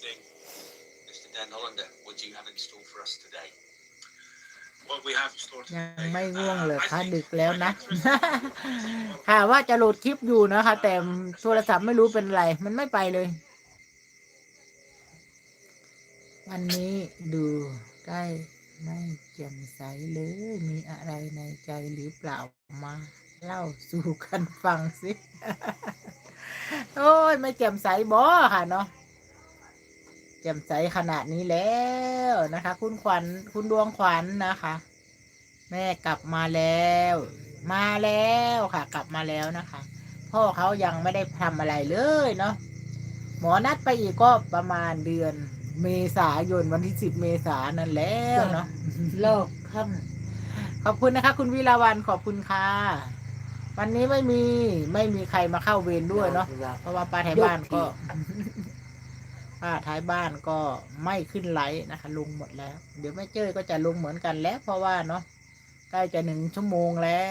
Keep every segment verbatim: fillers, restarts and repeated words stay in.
evening, Mister Den Hollander. What do you have in store for us today? What we have in store ยัง today. ไม่ง่วง Uh, เลย I ค่ะ think ดึกแล้วนะ I think ค่ะว่าจะโหลดคลิปอยู่นะคะ แต่โทรศัพท์ไม่รู้เป็นไร มันไม่ไปเลย วันนี้ดูได้ไม่แจ่มใสเลย มีอะไรในใจหรือเปล่ามาเล่าสู่กันฟังสิ โอ้ยไม่แจ่มใสบอค่ะเนาะแจ่มใสขนาดนี้แล้วนะคะ คุณขวัญคุณดวงขวัญนะคะ แม่กลับมาแล้ว มาแล้วค่ะ กลับมาแล้วนะคะ พ่อเขายังไม่ได้ทำอะไรเลยเนาะหมอนัดไปอีกก็ประมาณเดือนเมษายนวันที่สิบเมษายนนั่นแล้วเนาะโลกค่ขอบคุณนะคะ คุณวิลาวันขอบคุณค่ะ วันนี้ไม่มีไม่มีใครมาเข้าเวรำด้วยเนาะ เพราะว่าป้าท้ายบ้านก็ยกทีป้าท้ายบ้านก็ไม่ขึ้นไลฟ์นะคะลงหมดแล้ว เดี๋ยวแม่เจ้ยก็จะลงเหมือนกันแล้ว เพราะว่าเนาะใกล้จะหนึ่งชั่วโมงแล้ว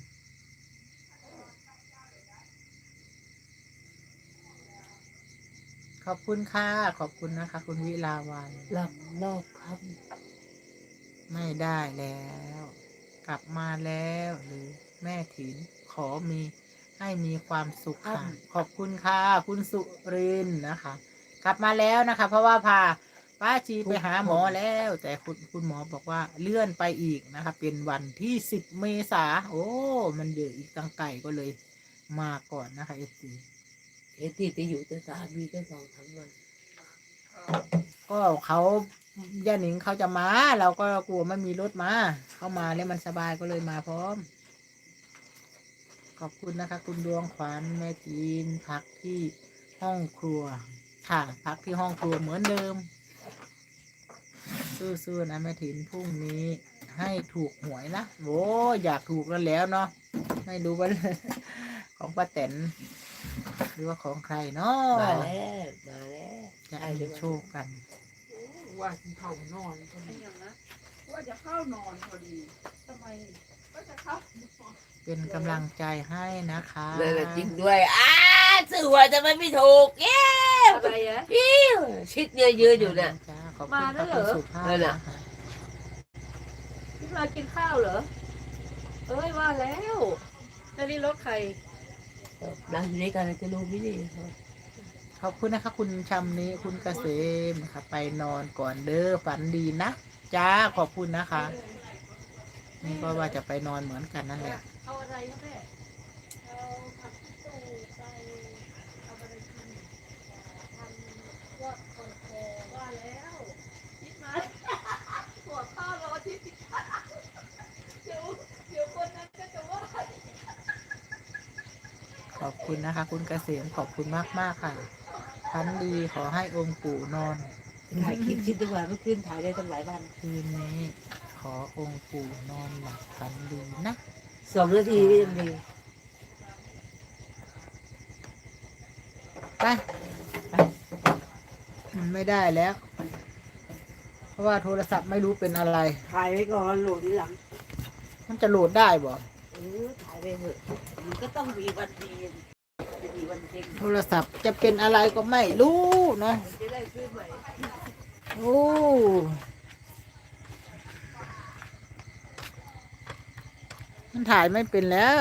ขอบคุณค่ะขอบคุณนะคะ คุณวิลาวันหลับโลกค่ไม่ได้แล้ว กลับมาแล้วหรือแม่ถินขอมีให้มีความสุขค่ะขอบคุณค่ะคุณสุรินทร์นะคะ กลับมาแล้วนะคะ เพราะว่าพาป้าชีไปหาหมอแล้ว แต่คุณคุณหมอบอกว่าเลื่อนไปอีกนะคะ เป็นวันที่สิบเมษาโอ้มันเดืออีกตั้งไก่ก็เลยมาก่อนนะคะเอฟซีำเอที่ไปอยู่แต่สามีก็สองทั้งวันก็เขาย่าหนิงเขาจะมา เราก็กลัวไม่มีรถมา เข้ามาแล้วมันสบายก็เลยมาพร้อม ขอบคุณนะคะ คุณดวงขวัญแม่จีนพักที่ห้องครัวค่ะ พักที่ห้องครัวเหมือนเดิม สู้ๆนะแม่ถินพรุ่งนี้ให้ถูกหวยนะโว้อยากถูกแล้วแล้วเนาะไม่รู้ว่า ของป้าแตนหรือว่าของใครเนาะมาแล้วมาแล้วจะมีโชคกันว่าจะเข้านอนพอดีนะว่าจะเข้านอนพอดีทำไมก็จะเข้านอนเป็นกำลังใจให้นะคะเลยละจริงด้วยอ้าสื่อว่าจะมันไม่ถูกเย้อะไรอะอิ้วชิดเยอะๆอยู่เนี่ยจ้าขอบคุณค่ะคุณสุภาพนั่นน่ะนะคะพี่มากินข้าวเหรอเอ้ยว่าแล้วแล้วนี่รถใครร้านนี้กันจะรู้ไม่ดีขอบคุณนะคะ คุณชำนี้คุณเกษมค่ะไปนอนก่อนเด้อฝันดีนะจ้าขอบคุณนะคะ นี่ก็ว่าจะไปนอนเหมือนกันนั่นแหละเอาอะไรครับแม่เอาผักตู้ไปเอาไปกินทำยอดคอนโทรว่าแล้วคิดมาหัวข้าวรอที่สิเดี๋ยวเดี๋ยวคนนั้นก็จะว่าขอบคุณนะคะ คุณเกษมขอบคุณมากมากๆค่ะฝันดีขอให้องค์ปู่นอนถ่ายคลิปคิดดีกว่าเมื่อคืนถ่ายได้ตั้งหลายวันคืนนี้ ขอองค์ปู่นอนหลับฝันดีนะสองนาทีก็ยังดีไปไปมันไม่ได้แล้ว เพราะว่าโทรศัพท์ไม่รู้เป็นอะไรถ่ายไว้ก่อนโหลดทีหลังมันจะโหลดได้บ่เออถ่ายไปเถอะมันก็ต้องมีวันดีจะมีวันเจ๊งโทรศัพท์จะเป็นอะไรก็ไม่รู้เนาะจะได้ซื้อใหม่โอ้มันถ่ายไม่เป็นแล้ว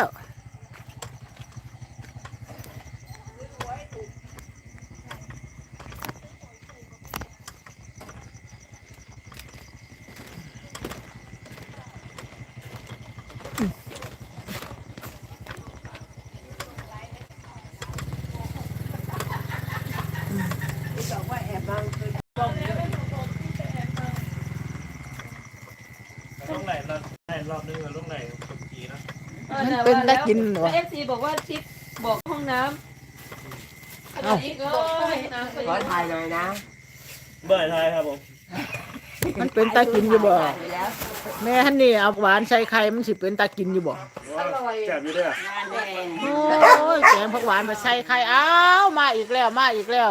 ต้องไหนรอบไหนรอบนึงหรือรอบไหนคนกีนะมันเป็นได้กินเหรอเอฟซีบอกว่าชิดบอกห้องน้ำเอ้าอีกเลยน้ำก็ขอยังถ่ายหน่อยนะเบื่อไทยครับผมมันเป็นตากินอยู่บ่ถ่ายไปแล้วแม่ท่านนี่เอาหวานใส่ไข่มันสิเป็นตากินอยู่บ่อร่อยแจ่มอยู่ด้วยงานแดงโอ้ยแกงผักหวานมาใส่ไข่อ้าวมาอีกแล้วมาอีกแล้ว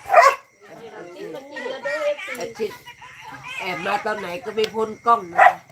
กินมากินแล้วด้วยเอฟซีแต่ชิดแอบมาตอนไหนก็ไม่พ้นกล้องนะ